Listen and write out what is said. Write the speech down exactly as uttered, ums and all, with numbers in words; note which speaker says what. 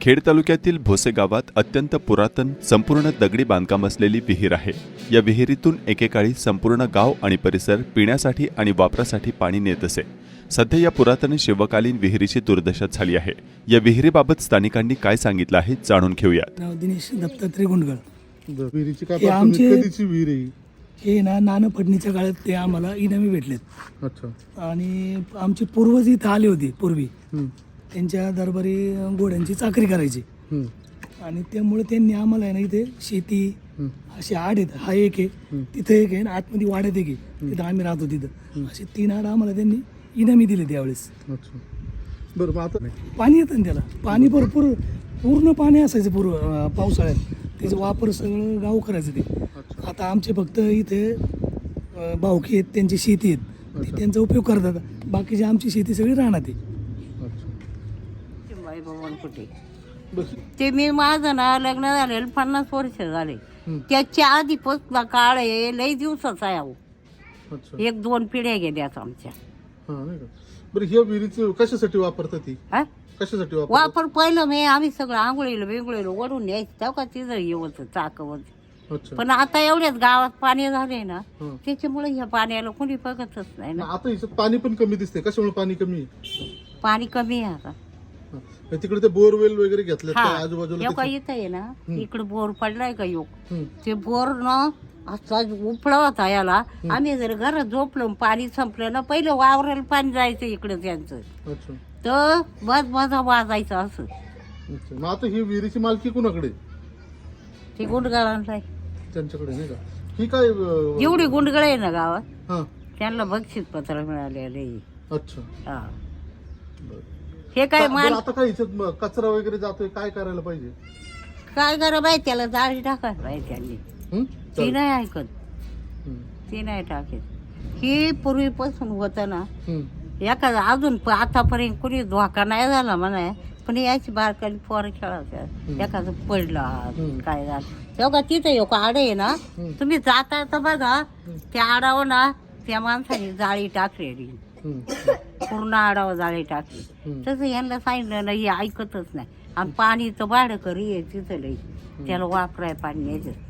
Speaker 1: खेड तालुक्यातील भोसे गावात अत्यंत पुरातन संपूर्ण दगडी बांधकाम असलेली विहीर आहे। या विहिरीतून एकेकाळी संपूर्ण गाव आणि परिसर पिण्यासाठी आणि वापरासाठी पाणी नेत असे। सध्या या पुरातन शिवकालीन विहिरीची दुर्दशा झाली आहे। या विहिरीबाबत स्थानिकांनी काय सांगितलं आहे जाणून घेऊयात।
Speaker 2: नाव दिनेश दत्तात्रय गुंडगळ।
Speaker 3: विहिरीची काय
Speaker 2: हे
Speaker 3: पासून
Speaker 2: आमचे-
Speaker 3: कधीची विहीर आहे?
Speaker 2: हे ना नाना फडणीच्या काळात ते आम्हाला इनामी भेटलेत
Speaker 3: अच्छा.
Speaker 2: आणि आमचे पूर्वज इथं आले होते पूर्वी।
Speaker 3: हम्म.
Speaker 2: त्यांच्या दरबारी घोड्यांची चाकरी करायची
Speaker 3: हम्म.
Speaker 2: आणि त्यामुळे त्यांनी आम्हाला आहे ना इथे शेती
Speaker 3: हम्म.
Speaker 2: असे आड आहेत। हा एक आहे, तिथं एक आहे आणि आतमध्ये वाड्यात एक आहे, तिथं आम्ही राहतो तिथं। असे तीन आड आम्हाला त्यांनी इनामी दिले त्यावेळेस।
Speaker 3: अच्छा. बरं मग आता
Speaker 2: पाणी येतं ना त्याला, पाणी भरपूर पूर्ण पाणी असायचं पूर्व अं, पावसाळ्यात। त्याचा वापर सगळं गाव करायचं ते। आता आमचे फक्त इथे अं, भावकी आहेत, त्यांची शेती आहेत, ते त्यांचा उपयोग करतात। बाकीची आमची शेती सगळी राहणार आहे।
Speaker 4: बाई भवन कुठे
Speaker 3: बस.
Speaker 4: ते मी माझं ना लग्न झालेलं पन्नास वर्ष झाले।
Speaker 3: हम्म.
Speaker 4: त्याच्या आधीपासून काळ आहे, लई दिवसाचा आहे अहो।
Speaker 3: अच्छा.
Speaker 4: एक दोन पिढ्या गेल्यात आमच्या।
Speaker 3: हा नाही का. बरं ह्या विहिरीची कशासाठी वापरतात ती?
Speaker 4: हा?
Speaker 3: कशासाठी वापर?
Speaker 4: वापर पहिलं मी आम्ही सगळं आंघोळीला बिंगोळीला ओढून न्यायचं तेव्हा का तिथं येवत चाकवत।
Speaker 3: अच्छा.
Speaker 4: पण आता एवढ्याच गावात पाणी झाले ना,
Speaker 3: हं.
Speaker 4: त्याच्यामुळे ह्या पाण्याला कोणी बघतच नाही
Speaker 3: मग
Speaker 4: ना।
Speaker 3: आता हिच्यात पाणी पण कमी दिसते, कशामुळे पाणी कमी आहे?
Speaker 4: पाणी कमी आहे आता।
Speaker 3: हा. मग तिकडे ते बोरवेल वगैरे घेतले
Speaker 4: हा
Speaker 3: आजूबाजूला
Speaker 4: एवढा
Speaker 3: त्याची-
Speaker 4: इथं आहे ना, इकडे बोर पडलाय का योग,
Speaker 3: हम्म.
Speaker 4: ते बोर ना असा उपळा होता याला। आम्ही जर घरात झोपलो पाणी संपलं ना, पहिलं वावराला पाणी जायचं इकडे त्यांचं,
Speaker 3: अच्छा.
Speaker 4: तर बस माझा वाजायचं असं।
Speaker 3: अच्छा. मग आता ही विहिरीची मालकी कुणाकडे?
Speaker 4: ते गुंडगळांना
Speaker 3: त्यांच्याकडे नाही का? ही काय अं,
Speaker 4: जेवढी गुंडगळ आहे ना गावात
Speaker 3: हा.
Speaker 4: त्यांना बक्षीस पत्र मिळालेले।
Speaker 3: अच्छा.
Speaker 4: हा
Speaker 3: बरं.
Speaker 4: हे काय
Speaker 3: बरं,
Speaker 4: मान
Speaker 3: आता काय हिच्यात मग कचरा वगैरे जातोय, काय करायला पाहिजे?
Speaker 4: काय करा बाई, त्याला जाळी टाकायला पाहिजे त्यांनी।
Speaker 3: हं?
Speaker 4: ती
Speaker 3: चालेल.
Speaker 4: नाही ऐकत,
Speaker 3: हं.
Speaker 4: ती नाही टाकेत। ही पूर्वीपासून होतं ना,
Speaker 3: हं.
Speaker 4: एखादा अजून प- आतापर्यंत कुणी धोका नाही झाला म्हणा, पण याची बारकाली पोरं खेळायचं, एखादं पडला
Speaker 3: हम्म.
Speaker 4: काय झालं तेव्हा तिथं एक आड आहे ना,
Speaker 3: हम्म.
Speaker 4: तुम्ही जाता तर बघा त्या आडावर ना त्या माणसाने जाळी टाकलेली,
Speaker 3: हं.
Speaker 4: पूर्ण आडावर जाळी टाकली।
Speaker 3: हम्म.
Speaker 4: तसं यांना सांगितलं ना, हे ऐकतच नाही। आणि पाणी तर भाडं करी आहे तिथं लई, त्याला वापराय पाणी न्यायचं